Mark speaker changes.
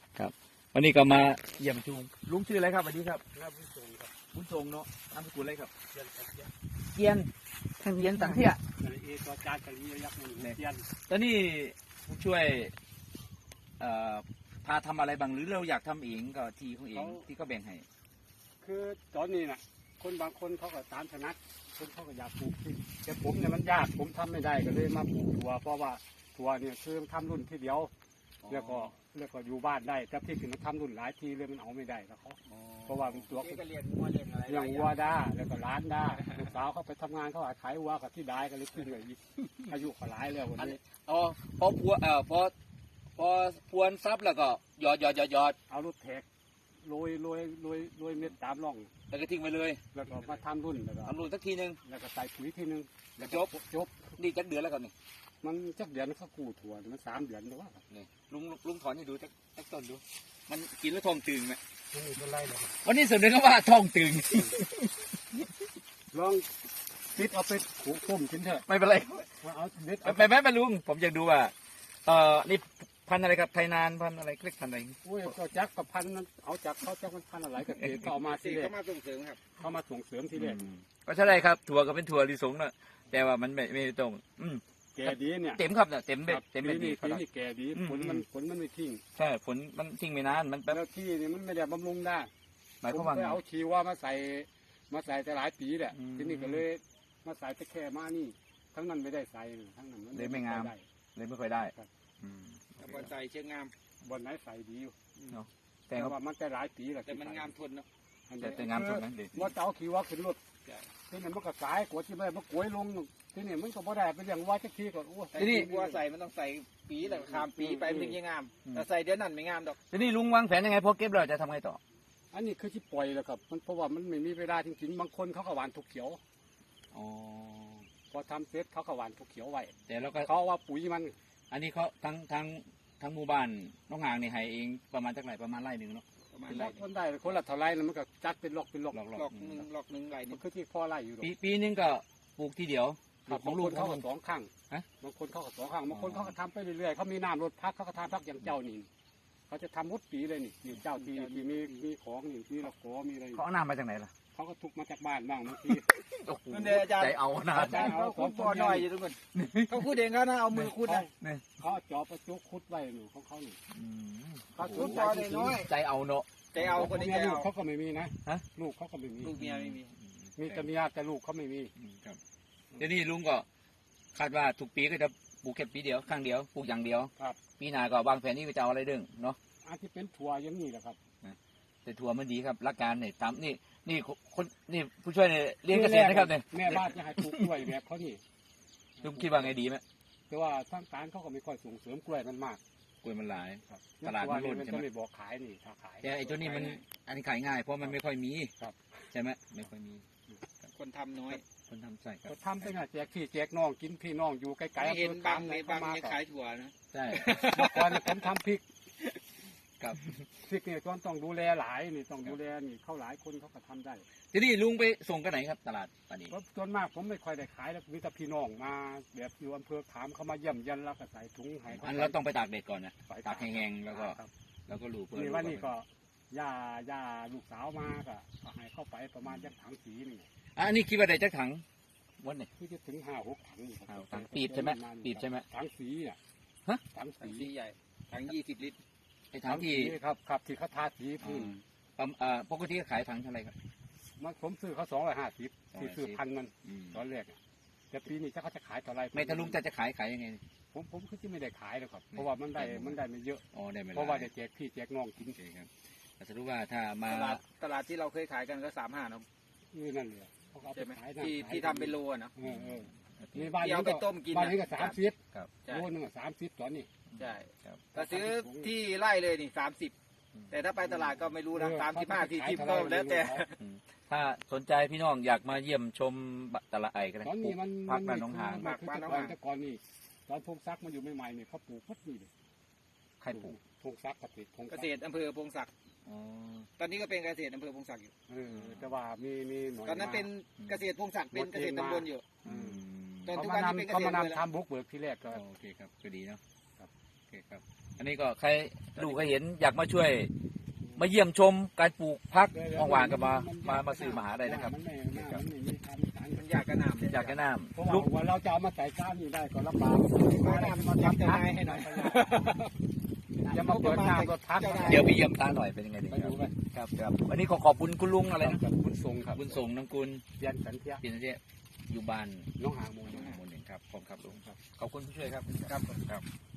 Speaker 1: ครับวันนี้ก็มาเยี่ยมชมลุงชื่ออะไรครับสวัสดีครับ
Speaker 2: ครับบุญส่งครับ
Speaker 1: บุญทรงเนาะนามสกุลอะไรครับ
Speaker 2: เชียนครับเชียน
Speaker 1: เกียนทางเกียนต่างเที่ย
Speaker 2: กะลีเอตัวจานกะลียักษ์หนึ่งเชียน
Speaker 1: ตอนนี้ผู้ช่วยพาทำอะไรบ้างหรือเราอยากทำเองก็ทีของเองที่ก็แบ่งให้
Speaker 2: คือตอนนี้น่ะคนบางคนเขาก็ตามถนัดคนเขาก็อยากปลูกที่แต่ผมเนี่ยมันยากผมทำไม่ได้ก็เลยมาปลูกถั่วเพราะว่าถั่วเนี่ยคือทำรุ่นที่เดียวแล้วก็อยู่บ้านได้แต่ที่คือมันทำรุ่นหลายทีเลยมันเอาไม่ได้แล้วเขาเพราะว่ามันตัว
Speaker 3: ก็เรียนวัวเรียนอะไร
Speaker 2: อย่างวัวได้แล้วก็ร้านได้ลูกสาวเขาไปทำงานเขาขายวัวกับที่ได้ก็เลยขึ้นเลยอีกอายุก็หลายแล้ววันนี้
Speaker 1: อ๋อพอพวพอพวนซับแล้วก็หยอด
Speaker 2: เอารถแท็กโรยเม็ดตามร่อง
Speaker 1: แล้วก็ทิ้งไปเลย
Speaker 2: แล้วก็มาทำรุ่นแล้วก็
Speaker 1: ทำรูสักทีนึง
Speaker 2: แล้วก็ใส่ปุ๋ยทีนึง
Speaker 1: แล้วจบ นี่จักเดือนแล้วครับนี่
Speaker 2: มันจักเดือนเขากู้ถั่วมัน3 เดือนหรือว่า
Speaker 1: นี่ลุงถอนให้ดูจักต้นดู มันกินแล้วท้องตึงไหม
Speaker 2: มันไม่เป็นไรเลย
Speaker 1: วันนี้เสนอว่าท้องตึง
Speaker 2: ลองติดเอาไปขู่ต้มกินเถอะ
Speaker 1: ไม่เป็นไร
Speaker 2: เอาเด็ด
Speaker 1: ไม่ลุงผมอยากดูว่านี่พันธุ์อะไรครับไทยนานพันธุ์อะไรเล็กพันธุ์อะไร
Speaker 2: โอ้ยก็จักกับพันนั้นเอาจากเขาจักมันพันอะไรกับเด็กเอามาที
Speaker 3: สี่
Speaker 2: แรก
Speaker 3: ก็มาส่งเสริมครับ
Speaker 2: เขามาส่งเสริมทีแรก
Speaker 1: ก็ใช่ครับถั่วก็เป็นถั่วลิสงนะแต่ว่ามันไม่ตรง
Speaker 2: แก่ดีเนี่ย
Speaker 1: เต็มครับเนี่ยเต็มเบ็ด
Speaker 2: ปี
Speaker 1: ดี
Speaker 2: นี้แก่ดีผลมันไม่ทิ้ง
Speaker 1: ใช่ฝนมันทิ้งไม่นานมันแป๊บ
Speaker 2: แล้วที่นี่มันไม่ได้บำรุงได้
Speaker 1: หมาย
Speaker 2: ผ
Speaker 1: ความ
Speaker 2: ม
Speaker 1: ว่า
Speaker 2: เคยเอาชีว่ามาใส่แต่หลายปีแหละ
Speaker 1: อืม
Speaker 2: ทีนี้ก็เลยมาใส่แต่แค่มานี่ทั้งนั้นไม่ได้ใส่ทั้งนั้น
Speaker 1: เลยไม่งาม
Speaker 2: ด้
Speaker 1: เลยไม่ค่อยได้
Speaker 3: บอลใส่เชือกงาม
Speaker 2: บนไหนใส่ดีอยู่
Speaker 1: แต่
Speaker 2: แต่
Speaker 1: ก็
Speaker 2: ว่ามันแต่หลายปีแหละ
Speaker 3: แต่มันงามทนเนาะ
Speaker 1: แต่งามสุดนะเด็ด
Speaker 2: ว่าจะเอาขี่ว่าขึ้นรถทีนี้มันก็สายกว่าที่ไม่มันกวยลงทีนี้มันก็บ่ได้ไปเลี้ยงว่าจักทีก็โอ้
Speaker 3: แต่ที่วัวใส่มันต้องใส่ปีแล้วข้ามปีไปมันถึงจะงามแต่ใส่เดือนนั้นไม่งามดอก
Speaker 1: ทีนี้ลุงวางแผนยังไงพอเก็บเราจะทำไงต่อ
Speaker 2: อันนี้คือที่ปล่อยแล้วครับมันเพราะว่ามันไม่มีเวลาจริงๆบางคนเขาก็หวานทุกเขียว
Speaker 1: อ๋อ
Speaker 2: พอทำเสร็จเขาก็หวานทุกเขียวไว้
Speaker 1: แต่แล้วก็
Speaker 2: เขาว่าปุ๋ยมัน
Speaker 1: อันนี้เขาทั้งหมู่บ้านน้องหางนี่ให้เองประมาณจักไรประมาณไร่หนึ่งเนาะ
Speaker 3: ประมาณ
Speaker 2: เป็น
Speaker 3: ไร
Speaker 2: คนได้คนละเท่าไรแล้วมันก็จัดเป็นล็อกเป็นล็อก
Speaker 1: หลอก
Speaker 3: หลอกหนึ่งไร
Speaker 2: มั
Speaker 3: นี่
Speaker 2: นคือที่พ่อไร่อยู่หรอก
Speaker 1: ปีนึงก็ปลูกทีเดียว
Speaker 2: ครับ
Speaker 1: ของ
Speaker 2: บาง
Speaker 1: ลู
Speaker 2: ค
Speaker 1: ก
Speaker 2: น
Speaker 1: ขอ
Speaker 2: เขา
Speaker 1: ง
Speaker 2: ก็
Speaker 1: ลุง
Speaker 2: 2 ครั้ง
Speaker 1: ฮะ
Speaker 2: บางคนเขาก็2 ครั้งบางคนเขาก็ทำไปเรื่อยๆเขามีน้ำรถพักเขาก็ทำพักอย่างเจ้านี่เขาจะทำหมดปีเลยนี่เจ้าที่มีของนี่มีละกอมีอะไร
Speaker 1: เขาเอาน้ำมาจากไหนล่ะ
Speaker 2: เขาก็ทุกมาจากบ้านบ้างบางที
Speaker 1: โอ้โห
Speaker 3: นั่นเดี๋ยวอาจารย์
Speaker 1: ใจเอานะ
Speaker 3: อาจารย์เขาขุดบ่อหน่อยอยู่ทุกคนเขาขุดเองเขานะเอามือขุดนะ
Speaker 2: เขาเอาจอบประจุขุดไว้หนูของเขานี่
Speaker 1: อืม
Speaker 2: เขา
Speaker 3: ขุดบ่อน้อย
Speaker 1: ใจเอาเนาะ
Speaker 3: ใจเอาคนนี้ใจ
Speaker 2: ลูก
Speaker 3: เอา
Speaker 2: เขาก็ไม่มีนะ
Speaker 1: ฮะ
Speaker 2: ลูกเขาก็ไม่มี
Speaker 3: ลูกเมียไม่มี
Speaker 2: มีแต่เมียแต่ลูกเขาไม่มี
Speaker 1: ครับเดี๋ยวนี้ลุงก็คาดว่าทุกปีก็จะปลูกแค่ปีเดียวครั้งเดียวปลูกอย่างเดียว
Speaker 2: ครับ
Speaker 1: ปีหน้าก็วางแผนนี้ก็จะเอาอะไรเด้งเนาะ
Speaker 2: อาจจะเป็นถั่วอย่างนี้แหละครับ
Speaker 1: แต่ถั่วมันดีครับหลักการเนี่ยตามนี่คนนี่ผู้ช่วยเนี่ยเรียนเกษตรนะครับเนี่ย
Speaker 2: แม่บ้านจะให้ปลูกกล้วยแบบเขานี่
Speaker 1: ลุงคิดว่าไงดีไหม
Speaker 2: แต่ว่าทางการเขาก็ไม่ค่อยส่งเสริมกล้วยมันมาก
Speaker 1: กล้วยมันหลาย
Speaker 2: ครับ
Speaker 1: ตลาดมันล้น
Speaker 2: มัน
Speaker 1: ใช่ไหม
Speaker 2: จะไม่บอกขายนี่ถ้าขาย
Speaker 1: แต่ไอ้ตัวนี้มันอันนี้ขายง่ายเพราะมันไม่ค่อยมี
Speaker 2: ครับ
Speaker 1: ใช่ไหมไม่ค่อยมี
Speaker 3: คนทำน้อย
Speaker 1: คนทำใส่ครับ
Speaker 2: ก็ทำไปน่ะแจกพี่แจกน้องกินพี่น้องอยู่ไกลๆ
Speaker 3: ไม่เห็น
Speaker 2: อำภอบ
Speaker 3: าง
Speaker 2: ไห
Speaker 3: ใน
Speaker 2: เข้
Speaker 3: บาง
Speaker 2: มา
Speaker 3: เนี่ย
Speaker 2: ก็
Speaker 3: ขายถั่วนะ
Speaker 1: ใช่
Speaker 2: เมื่อก่อนผมทำพริก
Speaker 1: ครับ
Speaker 2: พริกเนี่ยต้องดูแลหลายนี่ต้องดูแลนี่เขาหลายคนเขาก็ทำได้
Speaker 1: ทีนี้ลุงไปส่งกันไหนครับตลาดป่านนี้
Speaker 2: เพราะส่วนมากผมไม่ค่อยได้ขายแล้วมีแต่พี่น้องมาแบบอยู่อำเภอขามเขามาเยี่ยมยันแล้วก็ใส่ถุงให้เขา
Speaker 1: อันเราต้องไปตากแดดก่อนนะ
Speaker 2: ใส่
Speaker 1: ตากแห้งๆแล้วก็
Speaker 2: ครับ
Speaker 1: แล้วก็ลูกเพื่
Speaker 2: นี่ว่านี่ก็ย่าลูกสาวมาก็ให้เข้าไปประมาณจักถังสีนี่
Speaker 1: อันนี้คิดว่าได้จักถังวันนี้
Speaker 2: คือจะถึง5-6 ถังนี่ครับ
Speaker 1: ถังปีบใช่ไหมปีบใช่ไหม
Speaker 2: ถังสีอ่ะ
Speaker 1: ฮะ
Speaker 2: ถัง
Speaker 3: ถัง
Speaker 2: สี
Speaker 3: สีใหญ่ถัง20 ลิตร
Speaker 1: ไอ้ถังที่
Speaker 2: ครับที่เขาทาสีพื้น
Speaker 1: ปกติขายถังเท่าไหร่ครับ
Speaker 2: มันผมซื้อเขา250ที่ซื้อพันมันตอนแรกอะแต่ปีนี้ถ้าเขาจะขายเท่าไร
Speaker 1: ไม่ถ้าลุงจะขายยังไง
Speaker 2: ผมคือจะไม่ได้ขายหรอกครับเพราะว่ามันได้ไม่เยอะ
Speaker 1: อ๋อได้ไหม
Speaker 2: เพราะว่าจะแจกพี่แจกน้องกิน
Speaker 1: โอเคครับแต่สรุปว่าถ้ามา
Speaker 3: ตลาดที่เราเคยขายกันก็35เนาะ
Speaker 2: นี่นั่นเลยเขาก็เอา
Speaker 3: ใช่
Speaker 2: ไป
Speaker 3: ไหม
Speaker 2: ขายนั่น
Speaker 3: ที่ทำเป็นโลอะเนาะ
Speaker 2: นี่บ้าน
Speaker 3: ที่
Speaker 2: นี้
Speaker 3: เอาไปต้มกิน
Speaker 2: บ้านนี้ก็
Speaker 3: นะ
Speaker 2: 30
Speaker 1: ครับ
Speaker 3: ใช่
Speaker 2: โลนึง30ตอนนี้
Speaker 3: ใช่
Speaker 1: ครับ
Speaker 3: ถ้าซื้อที่ไร่เลยนี่30แต่ถ้าไปตลาดก็ไม่รู้นะ35 40ก็แล้วแต่
Speaker 1: ถ้าสนใจพี่น้องอยากมาเยี่ยมชมตลาดไอ้กัน
Speaker 2: ตอนนี้มัน
Speaker 1: พักบ้านหนองหาง
Speaker 2: มันคือแต่ก่อนนี่ตอนพงซักมันอยู่ใหม่ๆนี่เขาปลูกพัดนี่เลย
Speaker 1: ใครปลูก
Speaker 2: พงซักพง
Speaker 3: เกษตรอำเภอพงศักดิ์
Speaker 1: อ๋อ
Speaker 3: ตอนนี้ก็เป็นเกษตรอำเภอพงศักดิ์อยู่
Speaker 2: แต่ว่ามีหน่วย
Speaker 3: ตอนนั้นเป็นเกษตรพงศักดิ์เป็นเกษตรตำบลอยู่
Speaker 1: อืม
Speaker 3: ตอน
Speaker 2: เขา
Speaker 3: ทุก
Speaker 2: มา
Speaker 3: วันนี้เป็นเก
Speaker 2: เขา
Speaker 3: ษตร
Speaker 2: มา
Speaker 3: เลย
Speaker 2: นำทำบุกเบิกที่แรกก็
Speaker 1: โอเคครับก็ดีเนาะ
Speaker 2: ครับ
Speaker 1: โอเคครับอันนี้ก็ใครดูใครเห็นอยากมาช่วย มาเยี่ยมชมการปลูกพักว่างๆก็มาซื้อมาหาได้นะครับ
Speaker 2: มันไม่มีทำสาร
Speaker 3: มันอยากกระหน่ำ
Speaker 1: อยากแนะน
Speaker 2: เพราะ
Speaker 1: ำลูก
Speaker 2: ว่าเราจะเอามาใส่ก้านนี่ได้ก็ลำบาก
Speaker 3: มาหน้ามันทำเจ้านายให้หน่อย
Speaker 2: จะมาเปิดหน้ารถทัก
Speaker 1: เดี๋ยวไปเยี่ยมตาหน่อยเป็นยังไงดี
Speaker 2: ไป
Speaker 1: ครั
Speaker 2: ดู
Speaker 1: บ
Speaker 2: ไป
Speaker 1: ครับวันนี้ขอบคุณคุณลุงอะไรนะ
Speaker 2: กับบุญทรงครับ
Speaker 1: บุญส่งน้ำกุล
Speaker 2: เรียนสันเทีย
Speaker 1: เปลี่ยนเที่อยู่บ้าน
Speaker 2: น้องหางมูล
Speaker 1: หมู่หนึ่งครับผมครับลุงครับขอบคุณผู้ช่วยครับ
Speaker 3: ครับ
Speaker 1: ครับ